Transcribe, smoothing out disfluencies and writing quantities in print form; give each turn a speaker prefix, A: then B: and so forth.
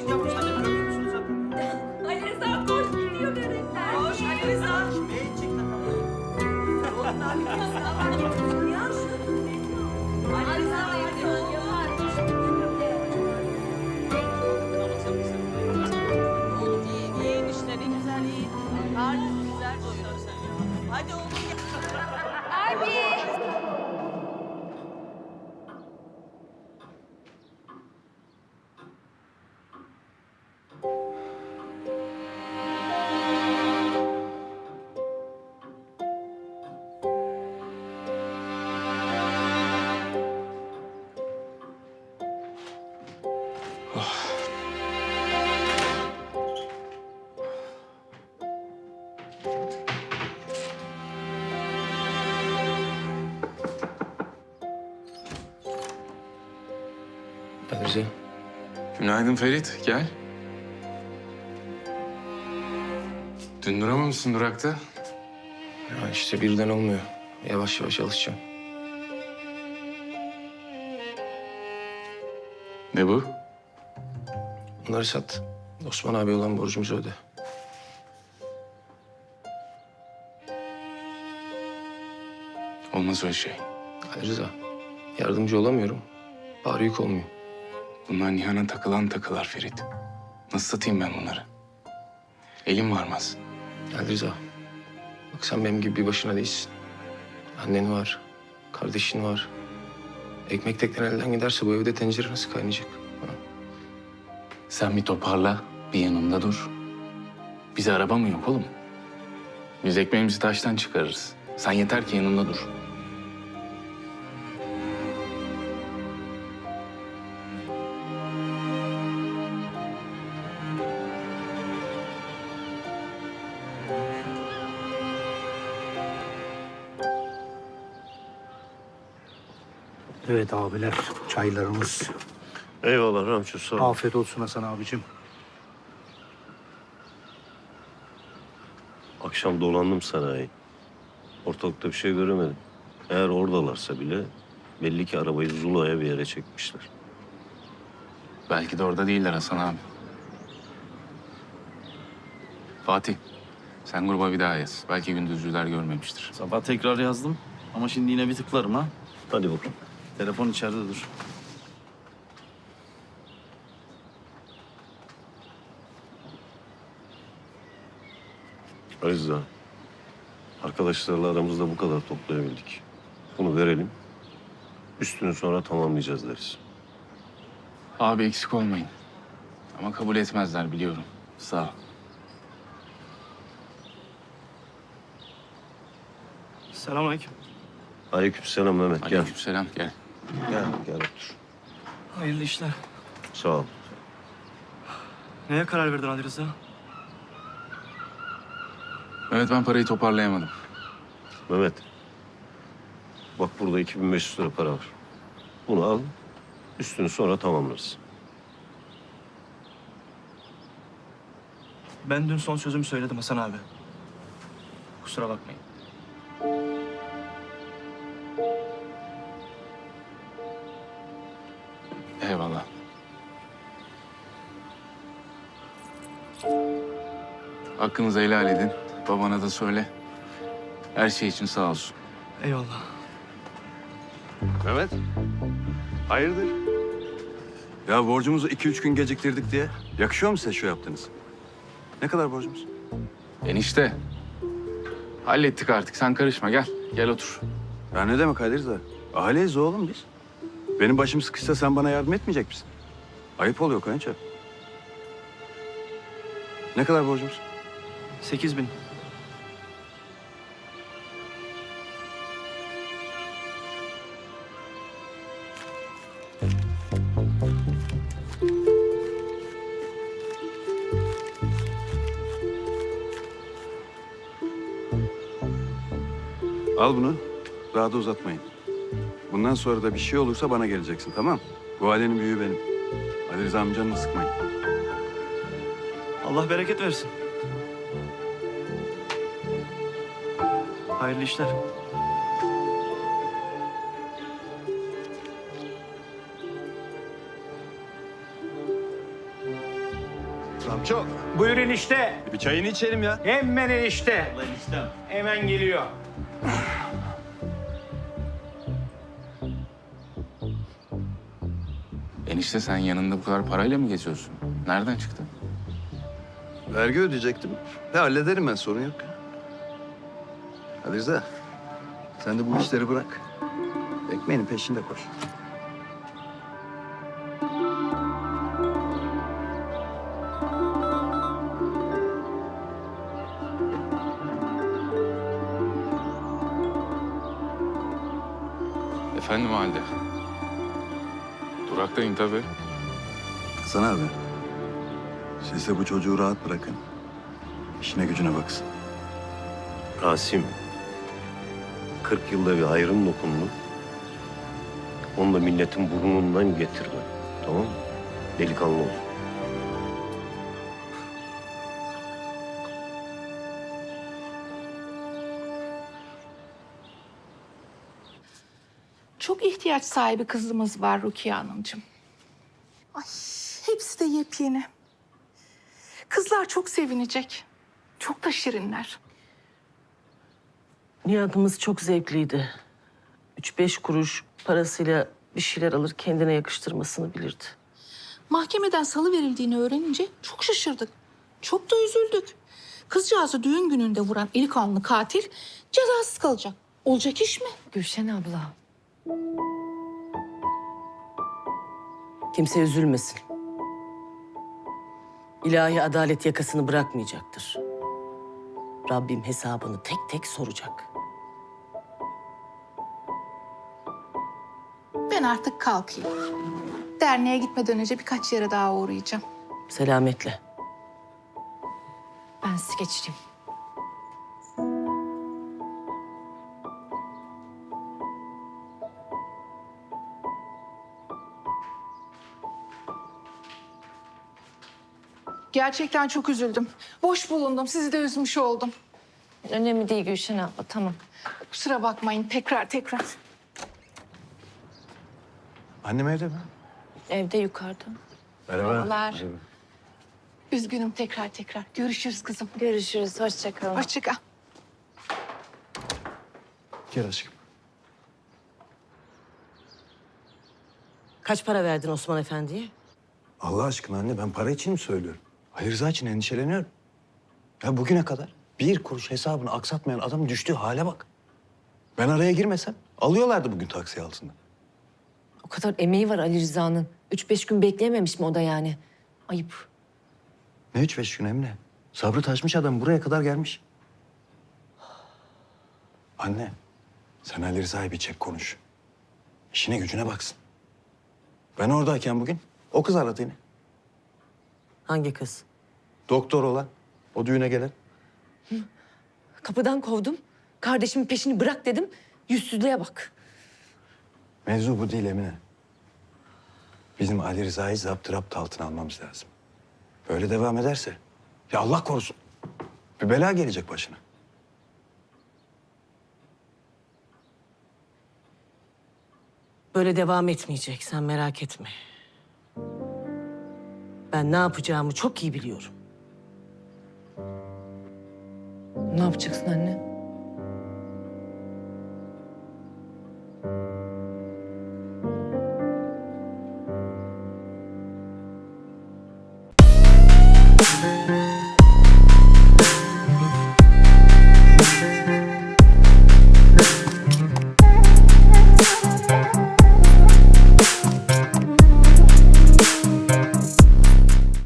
A: çek yavrum sen de görmüyor musun zaten?
B: Ali Rıza koş gidiyor börekler.
C: Koş Ali Rıza.
A: Çek çek tamam.
C: Oğlum ne yapıyorsun? Ya şu Ali Rıza hadi oğlum. Oğlum iyi işte ne güzel iyi. Karnın güzel doyuyor sen ya. Hadi oğlum ya.
B: Abi.
D: Rıza.
E: Günaydın Ferit, gel. Dün duramamışsın durakta.
D: Ya işte birden olmuyor. Yavaş yavaş alışacağım.
E: Ne bu?
D: Bunları sat. Osman abi olan borcumuzu öde.
E: Olmaz öyle şey.
D: Ali Rıza, yardımcı olamıyorum. Bari yük olmuyor.
E: Bunlar Nihan'a takılan takılar Ferit. Nasıl satayım ben bunları? Elim varmaz.
D: Ali Rıza, bak sen benim gibi bir başına değilsin. Annen var, kardeşin var. Ekmek tekten elden giderse bu evde tencere nasıl kaynayacak? Ha?
E: Sen bir toparla, bir yanımda dur. Bize araba mı yok oğlum? Biz ekmeğimizi taştan çıkarırız. Sen yeter ki yanımda dur.
F: Evet abiler, çaylarımız.
G: Eyvallah Ramço sağ ol.
F: Afiyet olsun Hasan abicim.
G: Akşam dolandım sanayi. Ortalıkta bir şey göremedim. Eğer oradalarsa bile belli ki arabayı Zula'ya bir yere çekmişler.
E: Belki de orada değiller Hasan abi. Fatih, sen gruba bir daha yaz. Belki gündüzcüler görmemiştir.
H: Sabah tekrar yazdım ama şimdi yine bir tıklarım ha.
G: Hadi bakalım.
H: Telefon içeride dur.
G: Aziza, arkadaşlarla aramızda bu kadar toplayabildik. Bunu verelim. Üstünü sonra tamamlayacağız deriz.
E: Abi eksik olmayın. Ama kabul etmezler biliyorum. Sağ ol.
H: Selamünaleyküm.
G: Aleykümselam Mehmet. Gel.
E: Aleykümselam, gel.
G: Gel otur.
H: Hayırlı işler.
G: Sağ ol.
H: Neye karar verdin Ali Rıza?
E: Mehmet, ben parayı toparlayamadım.
G: Mehmet. Bak burada 2500 lira para var. Bunu al. Üstünü sonra tamamlarız.
H: Ben dün son sözümü söyledim Hasan abi. Kusura bakmayın.
E: Eyvallah. Hakkınızı helal edin. Babana da söyle. Her şey için sağ olsun.
H: Eyvallah.
I: Mehmet, hayırdır? Ya borcumuzu 2-3 gün geciktirdik diye. Yakışıyor mu size şu yaptığınız? Ne kadar borcumuz?
E: Enişte. Hallettik artık. Sen karışma. Gel. Gel otur.
I: Ya ne demek Halil Rıza? Aileyiz oğlum biz. Benim başım sıkışsa sen bana yardım etmeyecek misin? Ayıp oluyor kayınço. Ne kadar borcumuz?
H: 8.000.
I: Al bunu. Daha da uzatmayın. Bundan sonra da bir şey olursa bana geleceksin, tamam? Bu ailenin büyüğü benim. Ali Rıza amcanı sıkmayın.
H: Allah bereket versin. Hayırlı işler.
I: Ustam çok.
F: Buyur enişte.
I: Bir çayını içelim ya.
F: Hemen enişte. Hemen geliyor.
E: Enişte sen yanında bu kadar parayla mı geziyorsun? Nereden çıktı?
I: Vergi ödeyecektim. Hallederim ben, sorun yok. Hadi Rıza. Sen de bu işleri bırak. Ekmeğinin peşinde koş.
E: Efendim halde. Duraktayım tabii.
I: Hasan abi. Siz de bu çocuğu rahat bırakın. İşine gücüne baksın.
G: Rasim, 40 yılda bir hayrın dokundu. Onu da milletin burnundan getirme. Tamam mı? Delikanlı ol.
B: Çok ihtiyaç sahibi kızımız var Rukiye Hanımcığım. Ay, hepsi de yepyeni. Kızlar çok sevinecek. Çok da şirinler.
C: Nihat'ımız çok zevkliydi. 3-5 kuruş parasıyla bir şeyler alır kendine yakıştırmasını bilirdi.
B: Mahkemeden salı verildiğini öğrenince çok şaşırdık. Çok da üzüldük. Kızcağızı düğün gününde vuran eli kanlı katil cezasız kalacak. Olacak iş mi?
C: Gülşen abla. Kimse üzülmesin. İlahi adalet yakasını bırakmayacaktır. Rabbim hesabını tek tek soracak.
B: Ben artık kalkayım. Derneğe gitmeden önce birkaç yere daha uğrayacağım.
C: Selametle.
B: Ben sizi geçireyim. Gerçekten çok üzüldüm. Boş bulundum. Sizi de üzmüş oldum.
J: Önemli değil Gülşen abla, tamam.
B: Kusura bakmayın tekrar.
I: Annem evde mi?
J: Evde yukarıda.
B: Merhabalar. Üzgünüm tekrar. Görüşürüz kızım.
J: Görüşürüz, hoşça kalın.
B: Hoşça kal.
I: Gel aşkım.
C: Kaç para verdin Osman Efendi'ye?
K: Allah aşkına anne, ben para için mi söylüyorum? Ali Rıza için endişeleniyorum. Ya bugüne kadar bir kuruş hesabını aksatmayan adamın düştüğü hale bak. Ben araya girmesem alıyorlardı bugün taksi altında.
J: O kadar emeği var Ali Rıza'nın. 3-5 gün bekleyememiş mi o da yani? Ayıp.
K: Ne 3-5 gün Emre? Sabrı taşmış adam buraya kadar gelmiş. Anne, sen Ali Rıza'yı bir çek konuş. İşine gücüne baksın. Ben oradayken bugün o kız aradı yine.
C: Hangi kız?
K: Doktor olan, o düğüne gelen.
J: Kapıdan kovdum. Kardeşimin peşini bırak dedim. Yüzsüzlüğe bak.
K: Mevzu bu değil Emine. Bizim Ali Rıza'yı zapturapt altına almamız lazım. Böyle devam ederse, ya Allah korusun, bir bela gelecek başına.
C: Böyle devam etmeyecek, sen merak etme. Ben ne yapacağımı çok iyi biliyorum.
J: Ne yapacaksın anne?